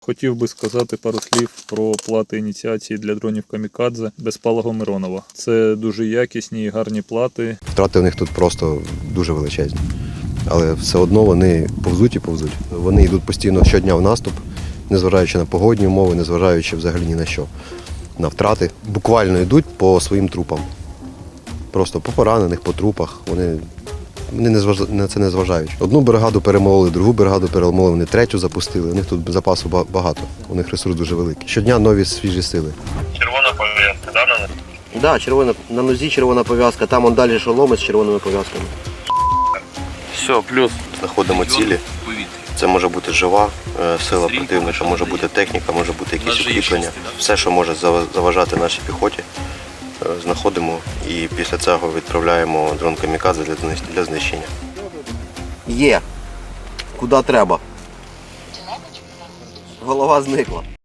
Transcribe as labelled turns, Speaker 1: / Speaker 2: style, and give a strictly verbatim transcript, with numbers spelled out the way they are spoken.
Speaker 1: Хотів би сказати пару слів про плати ініціації для дронів Камікадзе безпалого Миронова. Це дуже якісні і гарні плати.
Speaker 2: Втрати в них тут просто дуже величезні. Але все одно вони повзуть і повзуть. Вони йдуть постійно щодня в наступ, незважаючи на погодні умови, незважаючи взагалі ні на що. На втрати. Буквально йдуть по своїм трупам. Просто по поранених, по трупах. Вони, вони не зваж... на це не зважають. Одну бригаду перемололи, другу бригаду перемололи, вони третю запустили. У них тут запасу багато, у них ресурс дуже великий. Щодня нові свіжі сили.
Speaker 3: Червона пов'язка, да, на них?
Speaker 4: Так, да, червона, на нозі червона пов'язка, там он далі шоломи з червоними пов'язками.
Speaker 3: Все, плюс.
Speaker 2: Знаходимо цілі. Це може бути жива сила противника, може бути техніка, може бути якісь укріплення. Все, що може заважати нашій піхоті, знаходимо і після цього відправляємо дрон Камікадзе для знищення.
Speaker 4: Є. Куди треба. Голова зникла.